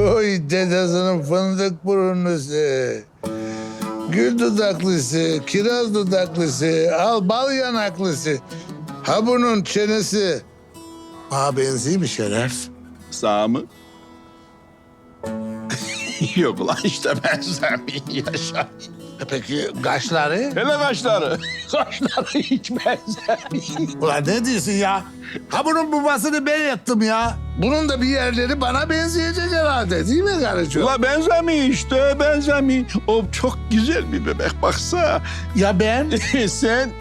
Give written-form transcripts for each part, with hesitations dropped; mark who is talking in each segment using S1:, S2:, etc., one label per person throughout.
S1: Oy dedesinin fındık burunlusu. Gül dudaklısı, kiraz dudaklısı, al bal yanaklısı. Ha bunun çenesi. Bana benziyor mu Şeref?
S2: Sağ mı? Yok ulan işte benzemiyor yaşa.
S1: Peki kaşları?
S2: Hele kaşları. Kaşları hiç benzemiyor.
S1: Ulan ne diyorsun ya? Ha bunun babasını ben yaptım ya. Bunun da bir yerleri bana benzeyecek herhalde değil mi karıcığım?
S2: Ulan benzemiyor işte benzemiyor. O çok güzel bir bebek baksa.
S1: Ya ben?
S2: Sen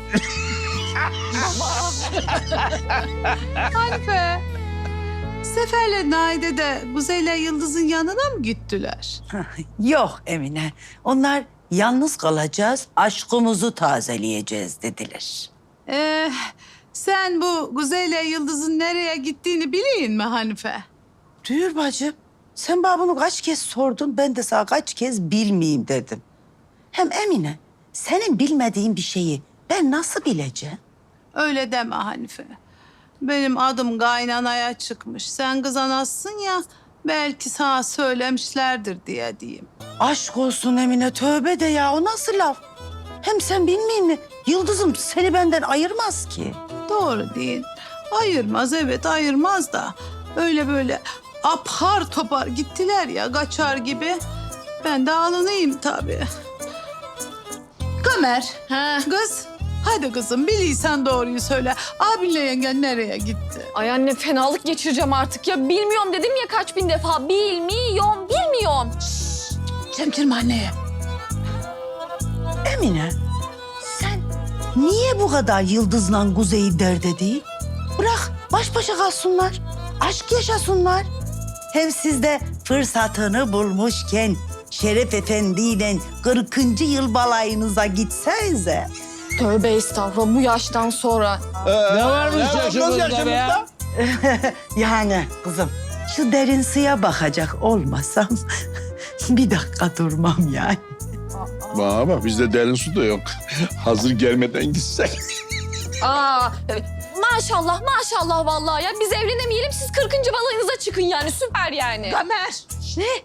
S3: Hanife. Sefer'le Naide de Kuzey'le Yıldız'ın yanına mı gittiler?
S4: Yok Emine. Onlar yalnız kalacağız, aşkımızı tazeleyeceğiz dediler.
S3: Sen bu Kuzey'le Yıldız'ın nereye gittiğini bileyim mi Hanife?
S4: Duyur bacım. Sen bana bunu kaç kez sordun, ben de sana kaç kez bilmeyeyim dedim. Hem Emine, senin bilmediğin bir şeyi ben nasıl bileceğim?
S3: Öyle deme Hanife. Benim adım kaynanaya çıkmış. Sen kız anasın ya, belki sana söylemişlerdir diye diyeyim.
S4: Aşk olsun Emine, tövbe de ya, o nasıl laf? Hem sen bilmeyin mi? Yıldızım seni benden ayırmaz ki.
S3: Doğru değil. Ayırmaz, evet ayırmaz da. Öyle böyle apar topar gittiler ya, kaçar gibi. Ben de alınayım tabii. Kamer, kız. Hadi kızım, biliysen doğruyu söyle. Abinle yengen nereye gitti?
S5: Ay anne fenalık geçireceğim artık ya. Bilmiyorum dedim ya kaç bin defa. Bilmiyorum.
S3: Çemkirme anneye.
S4: Emine, sen niye bu kadar Yıldız'la Kuzey'i dert edeyim? Bırak baş başa kalsınlar, aşk yaşasınlar. Hem siz de fırsatını bulmuşken Şeref Efendi'yle 40. yıl balayınıza gitsenize.
S5: Tövbe estağfurullah bu yaştan sonra.
S1: Ne varmış
S2: yaşımızda be?
S4: Yani kızım şu derin suya bakacak olmasam bir dakika durmam yani.
S2: Bana bak bizde derin su da yok. Hazır gelmeden gitsek.
S5: Aa, maşallah vallahi ya. Biz evlenemeyelim siz 40. balayınıza çıkın yani süper yani.
S3: Kamer.
S4: Ne?